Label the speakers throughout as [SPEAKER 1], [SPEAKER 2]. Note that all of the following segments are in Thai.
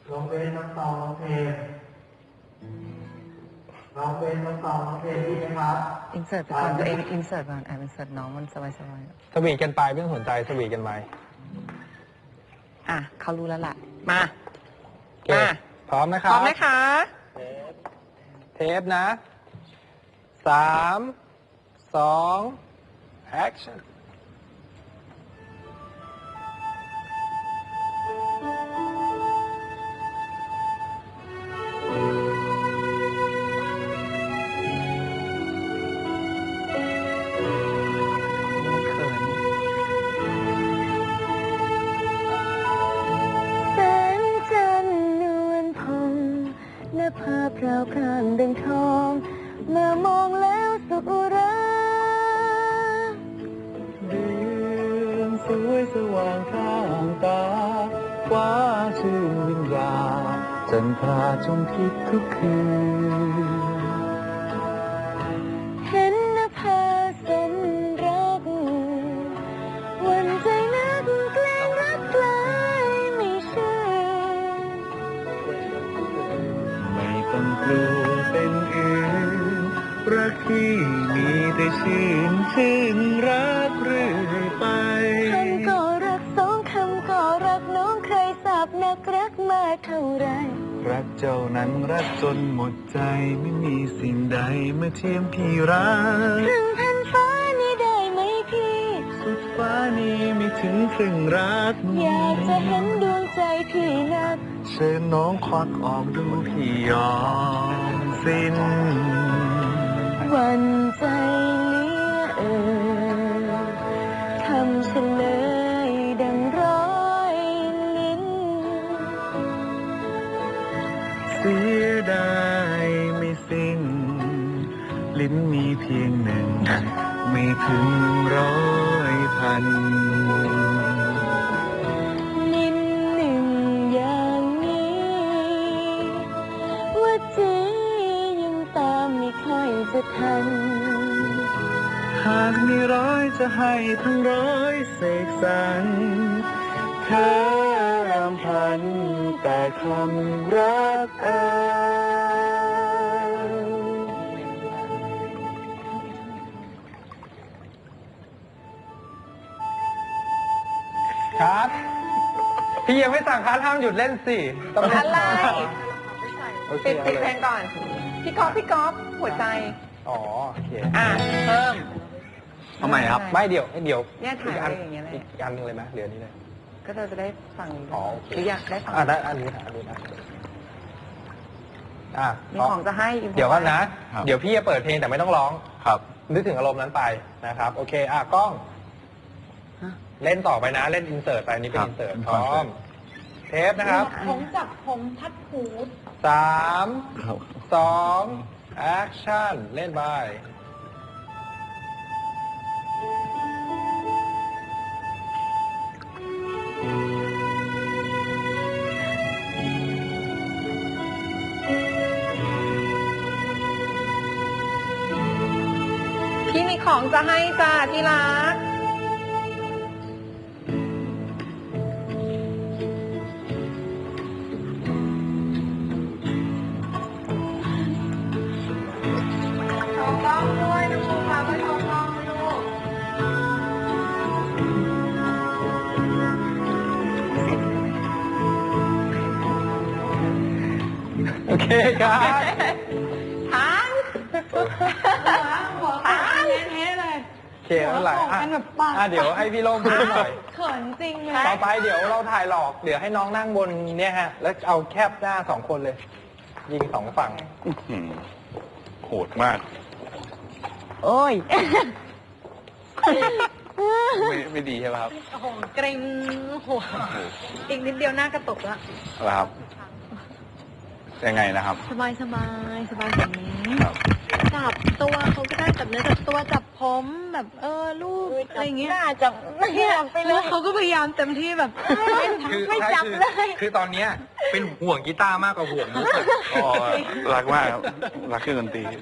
[SPEAKER 1] น้องเบนน้องตองน้องเพลงน้องเบนน้องตองน้องเพลงดีไหมครับ
[SPEAKER 2] อินเสิร์ตไปก่อนตัวเองอินเสิร์ตก่อนอินเสิร์ตน้องมันสบาย
[SPEAKER 3] สวีทกันไปไม่ต้องสนใจสวีทกันไป
[SPEAKER 2] เขารู้แล้วล่ะมา
[SPEAKER 3] พร้อมนะครับ
[SPEAKER 2] พร้อมไหมคะ
[SPEAKER 3] เทปนะ3 2 action
[SPEAKER 2] ภาพราวพรางดังทองเมื่อมองแล้วสุขอุรา
[SPEAKER 1] เดือนสวยสว่างข้างตาฟ้าชื่นวิญญาจันทราชมพิษทุกคืน
[SPEAKER 2] เห็นนภาสมรักวันใจนักแกล้งรักใครไม่เชื่อ
[SPEAKER 1] ต้องกลัวเป็นอื่นรักที่มีแต่ชื่นรักเรื่อยไป
[SPEAKER 2] คำก็รักสองคำก็รักน้องใครสาบนักรักมาเท่าไร
[SPEAKER 1] รักเจ้านั้นรักจนหมดใจไม่มีสิ่งใดเมื่อเทียมพี่รัก
[SPEAKER 2] ครึ่งแผ่นฟ้านี้ได้ไหมพี่
[SPEAKER 1] สุดฟ้านี้ไม่ถึงครึ่งรัก
[SPEAKER 2] อยากจะเห็นดวงใจพี่นัก
[SPEAKER 1] เชิญน้องควักออกดูพี่ยอมสิ้น
[SPEAKER 2] วันใจเลี้ยคำเฉลยดังร้อยลิ้น
[SPEAKER 1] เสียดายไม่สิ้นลิ้นมีเพียงหนึ่งไม่ถึง100,000
[SPEAKER 2] ลิ้นหนึ่งอย่างนี้ว่าจียังตามไม่ค่อยจะทัน
[SPEAKER 1] หากมีร้อยจะให้ทั้งร้อยเสกสรรเธอรำพันแต่คำรัก
[SPEAKER 3] ครับพี่ยังไม่สั่งคัดห้ามหยุดเล่นสิ
[SPEAKER 2] ต้องอะไรปิดเพลงก่อนพี่ก๊อฟหัวใจ
[SPEAKER 3] อ๋อโอเค
[SPEAKER 2] เพิ่ม
[SPEAKER 1] ทำไมครับ
[SPEAKER 3] ไม่เดี๋ยว
[SPEAKER 2] เนี่ยถ่ายอะไรอย่างเงี้ยเลย
[SPEAKER 3] อีกอันนึงเลยไหมเหลือนี้เลย
[SPEAKER 2] ก็เราจะได้ฟัง
[SPEAKER 3] หรือ
[SPEAKER 2] อยากได้ฟัง
[SPEAKER 3] ได้อันนี้นะ
[SPEAKER 2] มีของจะให้
[SPEAKER 3] เดี๋ยวก่อนนะเดี๋ยวพี่จะเปิดเพลงแต่ไม่ต้องร้อง
[SPEAKER 1] ครับ
[SPEAKER 3] นึกถึงอารมณ์นั้นไปนะครับโอเคกล้องเล่นต่อไปนะเล่นอินเสิร์ตไปนี้เป็นอินเสิร์ตพร้อมเทปนะครับ
[SPEAKER 2] ผมจับผมทัดหู
[SPEAKER 3] 3 2 แอคชั่นเล่นไป
[SPEAKER 2] พี่มีของจะให้จ้าที่รักต้องด้วยนะคุณค่ะไม่ต้องลูก
[SPEAKER 3] โอเคครับ
[SPEAKER 2] ทันหัวทันเท่เลย
[SPEAKER 3] เคเท่าไหร่เดี๋ยวให้พี่โล่งพูดหน่อย
[SPEAKER 2] เขินจริงเลย
[SPEAKER 3] ต่อไปเดี๋ยวเราถ่ายหลอกเดี๋ยวให้น้องนั่งบนเนี่ยฮะแล้วเอาแคบหน้า2 คนเลยยิง2 ฝั่ง
[SPEAKER 1] โหดมาก
[SPEAKER 2] โอ้ย
[SPEAKER 1] ไม่ดีใช่ไหมครับ
[SPEAKER 2] โอ้โหเกรงหัวอีกนิดเดียวหน้ากระตุกแล้ว
[SPEAKER 1] ครับยังไงนะครับ
[SPEAKER 2] สบายแบบนี้จับตัวเขาก็ได้จับเนื้อจับตัวจับผมแบบลูกอะไรอย่างเงี้ยจับเนี่ยไปเลยเขาก็พยายามเต็มที่แบบไม่จับเลย
[SPEAKER 3] คือตอนเนี้ยเป็นห่วงกีตาร์มากกว่าห่วงมุก
[SPEAKER 1] รักมากรักเครื่องดนตรี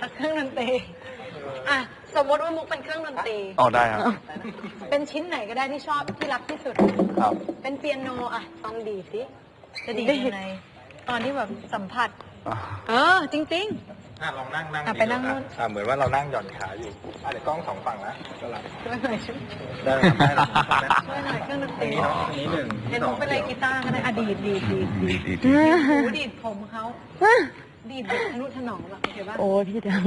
[SPEAKER 2] สมมติว่ามุกเป็นเครื่องดนตรี
[SPEAKER 1] ได้ครับ
[SPEAKER 2] เป็นชิ้นไหนก็ได้ที่ชอบที่รักที่สุด
[SPEAKER 1] ครับ
[SPEAKER 2] เป็นเปียโนฟังดีสิจะดีดยังไงตอนที่แบบสัมผัส จริง
[SPEAKER 3] ลองนั่ง
[SPEAKER 2] ไปนั่งนู่น
[SPEAKER 3] เหมือนว่าเรานั่งหย่อนขาอยู่เดี๋ยวกล้อง2 ฝั่งนะก็หลับ
[SPEAKER 2] ๆช่วยหน่อยช่วย
[SPEAKER 3] ได้ได้หลับ
[SPEAKER 2] ช่วยหน่อยเครื่องดนต
[SPEAKER 3] อัน
[SPEAKER 2] รี
[SPEAKER 3] นี้เนาะอันนี้1
[SPEAKER 2] เห็นผมเป็นอะไรกีตาร์ก็ได้ดีดหูดีดผมเขาดีดแบบทะนุถนอมแบบโอเคป่ะ
[SPEAKER 4] โอ้พี่จัง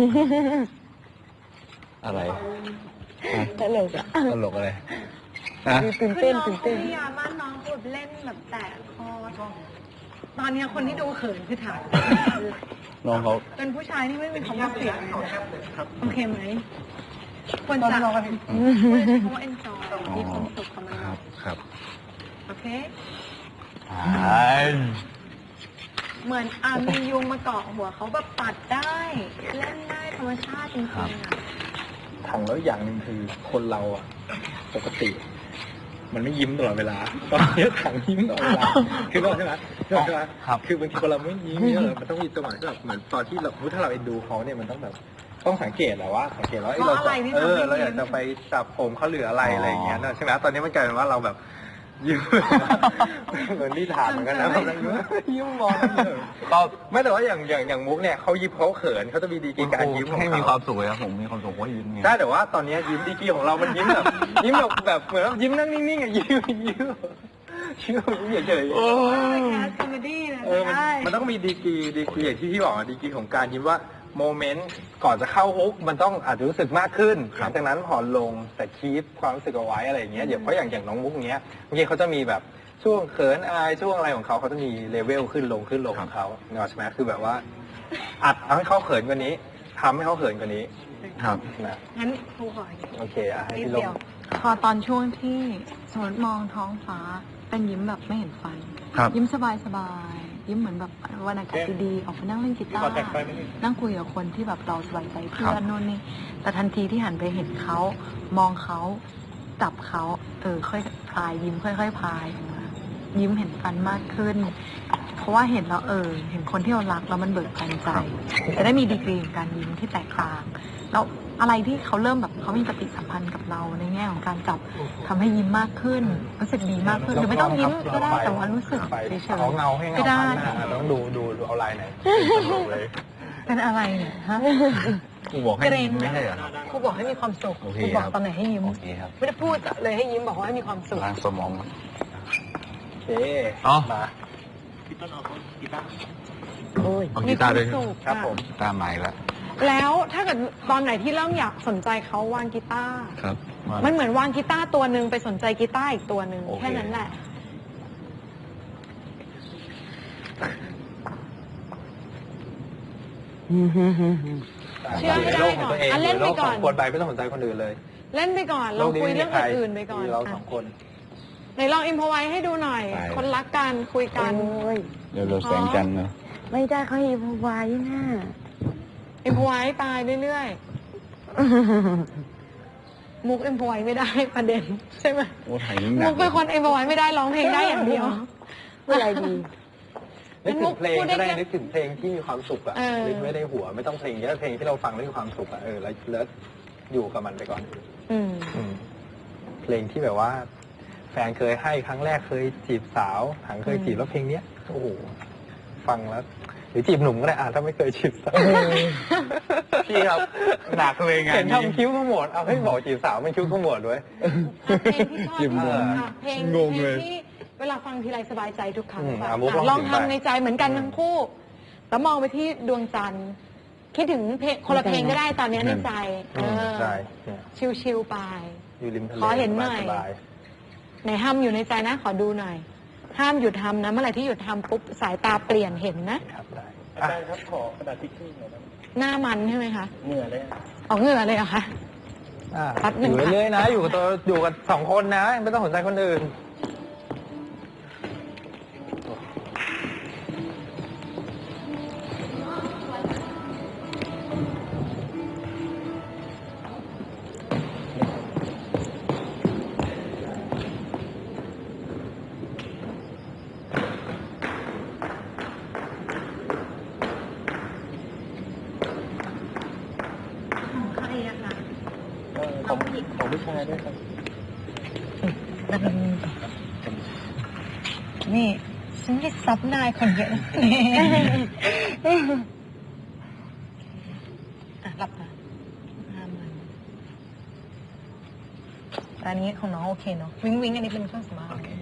[SPEAKER 1] อะไร
[SPEAKER 4] ตลกอ่ะ
[SPEAKER 1] ตลกอะไร
[SPEAKER 4] ตื่น
[SPEAKER 2] คือ
[SPEAKER 4] เต้น
[SPEAKER 2] น้อง
[SPEAKER 4] ตื่น
[SPEAKER 2] เขา
[SPEAKER 4] เต้น
[SPEAKER 2] พยายามมากน้องแบบเล่นแบบแตะคอตอนนี้คนที่ดูเขินคือถ่าย
[SPEAKER 1] น้องเขา
[SPEAKER 2] เป็นผู้ชายที่ไม่มีความรู้สึกโอเคไหมควรจะควรจะใช้คำว่า enjoy มีความสุขกับมัน
[SPEAKER 1] ครับ
[SPEAKER 2] โอเค
[SPEAKER 1] ใช่
[SPEAKER 2] เหมือนมียุงมาเกาะหัวเขาแบบปัดได้เล่นได้ธรรมชาติจริงๆอ่ะ
[SPEAKER 3] ถังแล้วอย่างหนึ่งคือคนเราอ่ะปกติ มันไม่ยิ้มตลอดเวลาตอนนี้ถังยิ้มตลอดเวลาคือใช่ไหมคือบางทีคนเราไม่ยิ้มเนี่ยมันต้องมีจังหวะที่แบบเหมือนตอนที่เราถ้าเราเอ็นดูเขาเนี่ยมันต้องแบบต้องสังเกตแหละว่าสังเกตว่าเราอยากจะไปจับผมเขาหรืออะไรอย่างเงี้ยใช่ไหมตอนนี้มันกลายเป็นว่าเราแบบยิ้มเหมือนที่ถามเหมือนกันนะยิ้มมองก็ไม่แต่ว่าอย่างมุกเนี่ยเขายิ้มเขาเขินเขาจะมีดีกีการยิ้มของเขาให้มีความสุขเลยครับผมมีความสุขว่ายิ้มไงใช่แต่ว่าตอนนี้ยิ้มดีกีของเรามันยิ้มแบบยิ้มแบบเหมือนยิ้มนั่งนิ่งๆอ่ะยิ้มเฉยๆ
[SPEAKER 2] แคสคอมเมดี้นะได้
[SPEAKER 3] มันต้องมีดีกีอย่างที่พี่บอกดีกีของการยิ้มว่าโมเมนต์ก่อนจะเข้าฮุกมันต้องอาจจะรู้สึกมากขึ้นหลังจากนั้นผ่อนลงแต่คีปความรู้สึกเอาไว้อะไรอย่างเงี้ยเพราะอย่างน้องมุกเงี้ยเมื่อกี้เขาจะมีแบบช่วงเขินอายช่วงอะไรของเขาจะมีเลเวลขึ้นลงของเขาเนาะใช่ไหมคือแบบว่าอัดเอาให้เขาเขินกว่านี้ทำให้เขาเขินกว่านี้ครับนะ
[SPEAKER 2] งั้นครูขออีก
[SPEAKER 3] โอเคให้
[SPEAKER 2] นิด
[SPEAKER 3] พี่ล
[SPEAKER 2] เดี
[SPEAKER 3] ง
[SPEAKER 2] ยวพอตอนช่วงที่สมมติมองท้องฟ้าเป็นยิ้มแบบไม่เห็นฟัน ยิ้มสบายๆยิ้มเหมือนแบบวันอากาศดีๆออกไปนั่งเล่นกีตาร์นั่งคุยกับคนที่แบบเราสบายใจเพื่อนนู่นนี่แต่ทันทีที่หันไปเห็นเขามองเขาจับเขาค่อยพลายยิ้มค่อยๆพลายออกมายิ้มเห็นฟันมากขึ้น เพราะว่าเห็นแล้วเห็นคนที่เรารักแล้วมันเบิกบานใจจะได้มีดีกรีของการยิ้มที่แตกต่างแล้วอะไรที่เขาเริ่มแบบเขามีปฏิสัมพันธ์กับเราในแง่ของการจับทำให้ยิ้มมากขึ้นรู้สึกดีมากขึ้นหรือไม่ต้องยิ้มก็ได้แต่ว่ารู้สึกเฉยๆ
[SPEAKER 3] เอาเงาให้เงา
[SPEAKER 2] ก็ได้
[SPEAKER 3] ต้องดูเอาลายไหนเลย
[SPEAKER 2] เป็นอะไรเนี่ยฮะ
[SPEAKER 1] กูบอกให้
[SPEAKER 2] เกรง
[SPEAKER 1] ไม่ใช่เหรอ
[SPEAKER 2] ครูบอกให้มีความสุข
[SPEAKER 1] โอเค
[SPEAKER 2] ครูบอก
[SPEAKER 1] ครับ
[SPEAKER 2] ตอนไหนให้ยิ้ม
[SPEAKER 1] โอเคครับ
[SPEAKER 2] ไม่ได้พูดเลยให้ยิ้มบอกว่าให้มีความสุข
[SPEAKER 1] ล้างสมอง
[SPEAKER 3] โอเค
[SPEAKER 1] อ๋อ
[SPEAKER 3] มา
[SPEAKER 4] โอ้ย
[SPEAKER 1] เอากีตาร์ด้วย
[SPEAKER 2] มีควมสุข
[SPEAKER 3] ครับผม
[SPEAKER 1] กีตาร์ใหม่แล้ว
[SPEAKER 2] แล้วถ้าเกิดตอนไหนที่เริ่มอยากสนใจเขาวางกีตาร์
[SPEAKER 1] ครับ
[SPEAKER 2] มันเหมือนวางกีตาร์ตัวหนึ่งไปสนใจกีตาร์อีกตัวหนึ่ง
[SPEAKER 1] โอเค
[SPEAKER 2] แค่นั้นแหละ เชื่อให้ได้ก่อนอ่ะเล่นไปก่อน
[SPEAKER 3] โลขงคนไปไม่ต้องสนใจคนอื่นเลย
[SPEAKER 2] เล่นไปก่อนเราคุยเรื่องอื่นๆไปก่อน
[SPEAKER 3] เรา
[SPEAKER 2] อ่ะ
[SPEAKER 3] สองคน
[SPEAKER 2] ไหนลองอิมพอไว้ให้ดูหน่อย คนรักกันคุยกัน
[SPEAKER 4] โอ้ย
[SPEAKER 1] เดี๋ยวเราแสงจันทร์เนาะ
[SPEAKER 4] ไม่ได้เขาอีพไว้น่ะ
[SPEAKER 2] อิมพอไว้ไปเรื่อยๆมุกอิมพอไว้ไม่ได้ประเด็นใช่ไหม
[SPEAKER 1] โอ้ถ่ายยิ่งหนั
[SPEAKER 2] มุ
[SPEAKER 1] ก
[SPEAKER 2] กเป็นคนอิมพอไว้ไม่ได้ร้องเพลงได้อย่างเดียว
[SPEAKER 4] พูดอะไรดี
[SPEAKER 3] นึกถึงเพลง
[SPEAKER 2] พูดได้
[SPEAKER 3] ก็ได้
[SPEAKER 2] แค่
[SPEAKER 3] นึกถึงเพลงที่มีความสุขอะ
[SPEAKER 2] เออ
[SPEAKER 3] นึกไม่ได้หัวไม่ต้องเพลงเยอะเพลงที่เราฟังแล้วมีความสุขอะแล้วอยู่กับมันไปก่อน
[SPEAKER 2] อืม
[SPEAKER 3] เพลงที่แบบว่า แฟนเคยให้ครั้งแรกเคยจีบสาวถังเคยจีบแล้วเพลงเนี้ยโอ้โหฟังแล้วหรือจีบหนุ่มก็ได้ถ้าไม่เคยจีบสาวพี่ครับหนักเลยไงเห็นทำคิ้วขมวดเอาให้บอกจีบสาวมันคิ้วขมวดด้วย
[SPEAKER 2] เพลงที่ชอบ
[SPEAKER 1] จิ้มงง
[SPEAKER 2] ค่ะเพลง
[SPEAKER 1] งงเลย
[SPEAKER 2] ที่เวลาฟังทีไรสบายใจทุกครั้ง
[SPEAKER 3] อืม
[SPEAKER 2] ค่ะ
[SPEAKER 3] อ่ะมุกลอง
[SPEAKER 2] ลอง
[SPEAKER 3] ถึง
[SPEAKER 2] ทำ
[SPEAKER 3] ไป
[SPEAKER 2] ในใจเหมือนกันทั้งคู่ แล้วมองไปที่ดวงจันทร์คิดถึงเพลงคนละเพลงก็ได้ตอนนี้ในใจ
[SPEAKER 3] ใช่เนี่ย
[SPEAKER 2] ชิวๆไป
[SPEAKER 3] อยู่ริมทะเล
[SPEAKER 2] ขอเห็นหน่อย
[SPEAKER 3] สบาย
[SPEAKER 2] ไหนห้ามอยู่ในใจนะ ขอดูหน่อย ห้ามหยุดทำนะ เมื่อไหร่ที่หยุดทำปุ๊บสายตาเปลี่ยนเห็นนะ
[SPEAKER 3] ๆครับได้อาจารย์ครับขอกระดาษทิชชู่หน่อยนะ
[SPEAKER 2] หน้ามันใช่ไหมคะ
[SPEAKER 3] เหงื่อเลย
[SPEAKER 2] ออกเหงื่อเลยเหรอคะ แป๊บหนึ่
[SPEAKER 3] อง ยู่
[SPEAKER 2] ค่ะ
[SPEAKER 3] เรื่อยๆนะ อยู่กับตัวอยู่กับสองคนนะ ไม่ต้องสนใจคนอื่น
[SPEAKER 2] ของใครอะคะ
[SPEAKER 3] ของผู้ชายด้วยครับ
[SPEAKER 2] นี่ ฉฉันไม่ได้ซับนายคนเยอะนะหลับตาห้ามมันแต่อันนี้ของน้องโอเคเนาะวิงวิงอันนี้เป็นเครื่องสำอาง
[SPEAKER 3] โอเค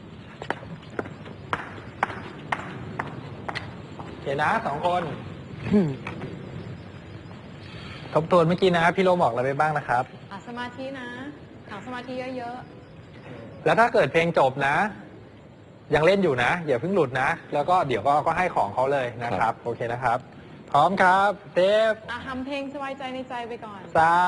[SPEAKER 3] นะ2 คนทบทวนเมื่อกี้นะพี่โลบอกอะไรไปบ้างนะครับ
[SPEAKER 2] สมาธินะหาสมาธิเยอะ
[SPEAKER 3] แล้วถ้าเกิดเพลงจบนะ ยังเล่นอยู่นะอย่าเพิ่งหลุดนะ แล้วก็เดี๋ยวก็ให้ของเขาเลยนะครับ โอเคนะครับ พร้อมครับเทป
[SPEAKER 2] ๆทำเพลงสบายใจในใจไปก่อน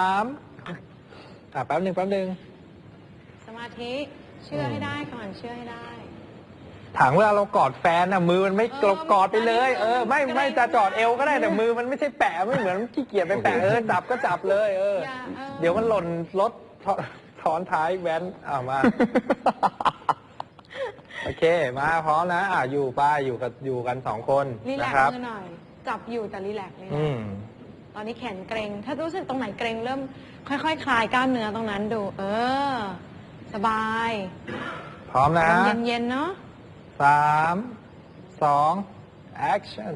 [SPEAKER 3] 3แป๊บหนึ่ง
[SPEAKER 2] สมาธิเชื่อให้ได้ก่อนเชื่อให้ได้
[SPEAKER 3] ถังเวลาเรากอดแฟนน่ะมือมันไม่กอดไปเลยไม่จะจอดเอวก็ได้แต่มือมันไม่ใช่แปะไม่เหมือนขี้เกียจไปแปะจับก็จับเลยเดี๋ยวมันหล่นรถซ้อนท้ายแว้นมาโอเคมาพร้อมนะอยู่กัน2 คน
[SPEAKER 2] รีแล
[SPEAKER 3] นะ
[SPEAKER 2] ก
[SPEAKER 3] ครับ
[SPEAKER 2] ซ์มือหน่อยจับอยู่แต่รีแลกซ์เลย ตอนนี้แขนเกร็งถ้ารู้สึกตรงไหนเกร็งเริ่มค่อยๆคลายกล้ามเนื้อตรงนั้นดูสบาย
[SPEAKER 3] พร้อมนะ
[SPEAKER 2] เย็นๆเนาะ
[SPEAKER 3] 3 2 action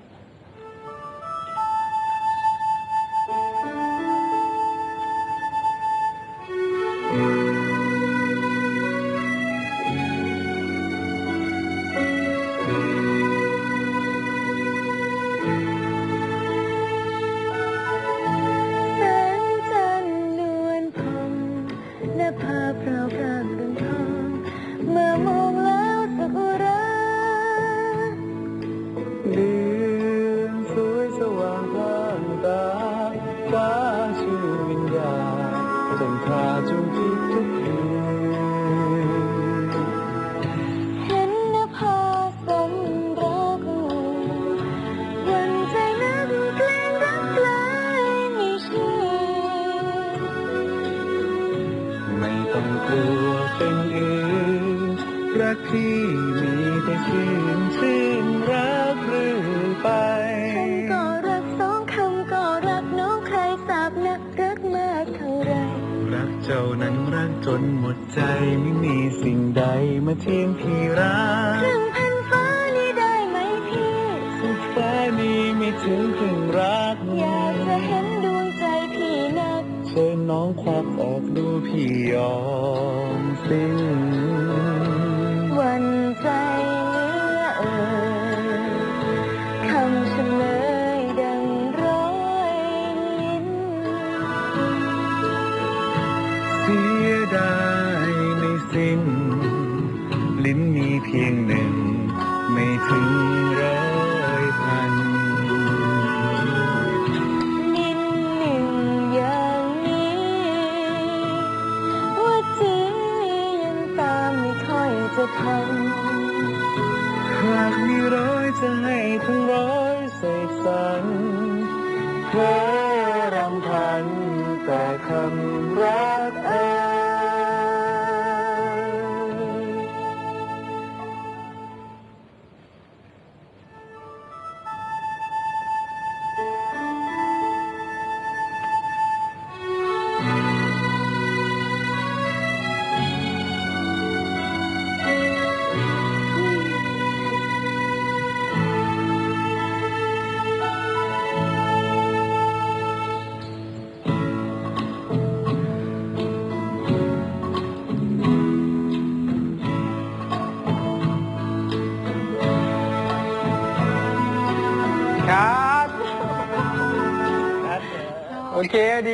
[SPEAKER 4] แสงจันทร์นวลพองและพาพราวพรางเรืองทองเมื่อมองแล้วสักุระ
[SPEAKER 1] เดือนสวยสว่างพลางตาฟ้าชื่อวิญญาณจนพาจงคิดทุกคืน
[SPEAKER 4] เห็นนภาสมรักวันใจนักเพลงรักไกลไม่เชื่อ
[SPEAKER 1] ไม่ต้องกลัวเป็นอื่นรักที่มีแต่ชื่นรักเรื่อยไป
[SPEAKER 4] คำก็รัก2 คำก็รักน้องใครสาบนักรักมากเท่าไร
[SPEAKER 1] รักเจ้านั้นรักจนหมดใจไม่มีสิ่งใดมาเทียมพี่รัก
[SPEAKER 4] ครึ่งพันฟ้านี้ได้ไหมพี่
[SPEAKER 1] สุดฟ้านี้ไม่ถึงครึ่งรัก
[SPEAKER 4] อยากจะเห็นดวงใจพี่นัก
[SPEAKER 1] เชิญน้องควักออกดูพี่ยอมสิ้น
[SPEAKER 4] วันใจเหลือคำเฉลยดังร้อยลิ้น
[SPEAKER 1] เสียดายไม่สิ้น ลิ้นมีเพียง1ไม่ถึง100,000
[SPEAKER 4] ลิ้นหนึ่งอย่างนี้ว่าจียังตามไม่ค่อยจะทัน
[SPEAKER 1] หากมี100จะให้ทั้ง100เสกสรรเพ้อรำพันแต่คำรัก
[SPEAKER 3] ครับโอเคดี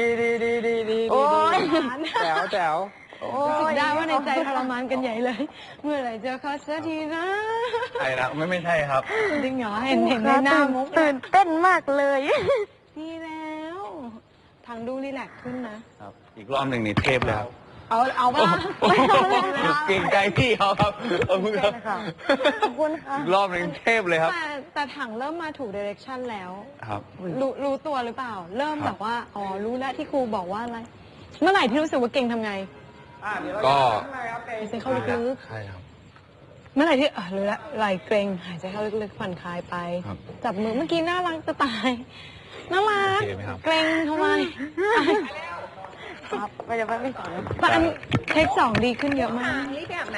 [SPEAKER 3] แจ๋ว
[SPEAKER 2] รู้สึกได้ว่าในใจทรมานกันใหญ่เลย เมื่อไหร่จะขอสักทีนะ
[SPEAKER 3] ใช่นะไม่ใช่ครับ
[SPEAKER 2] จริงเหรอเห็นในหน้ามุก
[SPEAKER 4] ตื่นเต้นมากเลย
[SPEAKER 2] ดีแล้วทางดูรีแลกซ์ขึ้นนะ
[SPEAKER 3] ครับอีกรอบหนึ่งนี่เทพเลยครับ
[SPEAKER 2] เอาป่ะ
[SPEAKER 3] เก่งใจพี่เขาครับเอามือครับ
[SPEAKER 4] ขอบคุณค่ะ
[SPEAKER 3] อีกรอบหนึ่งเทพเลยครับ
[SPEAKER 2] แต่ถังเริ่มมาถูกเดเรคชั่นแล้ว
[SPEAKER 3] ครับ
[SPEAKER 2] รู้ตัวหรือเปล่า เริ่มแบบว่ารู้แล้วที่ครูบอกว่าอะไร เมื่อไหร่ที่รู้สึกว่าเก่งทำไง
[SPEAKER 3] ก็
[SPEAKER 2] หายใจเข้าลึก
[SPEAKER 3] ใช่ครับ
[SPEAKER 2] ๆเมื่อไหร่ที่รู้แล้วไหลเกร็งหายใจเข้าลึกๆผ่อนคลายไป
[SPEAKER 3] ครับ
[SPEAKER 2] จับมือเมื่อกี้น่ารักจะตายน่ารัก
[SPEAKER 3] โอเคไหมครับ
[SPEAKER 2] เกร็งทำไม
[SPEAKER 4] ครับไปเดี๋ยวไปไม่สอน
[SPEAKER 2] แต่อันเทค2ดีขึ้นเยอะมาก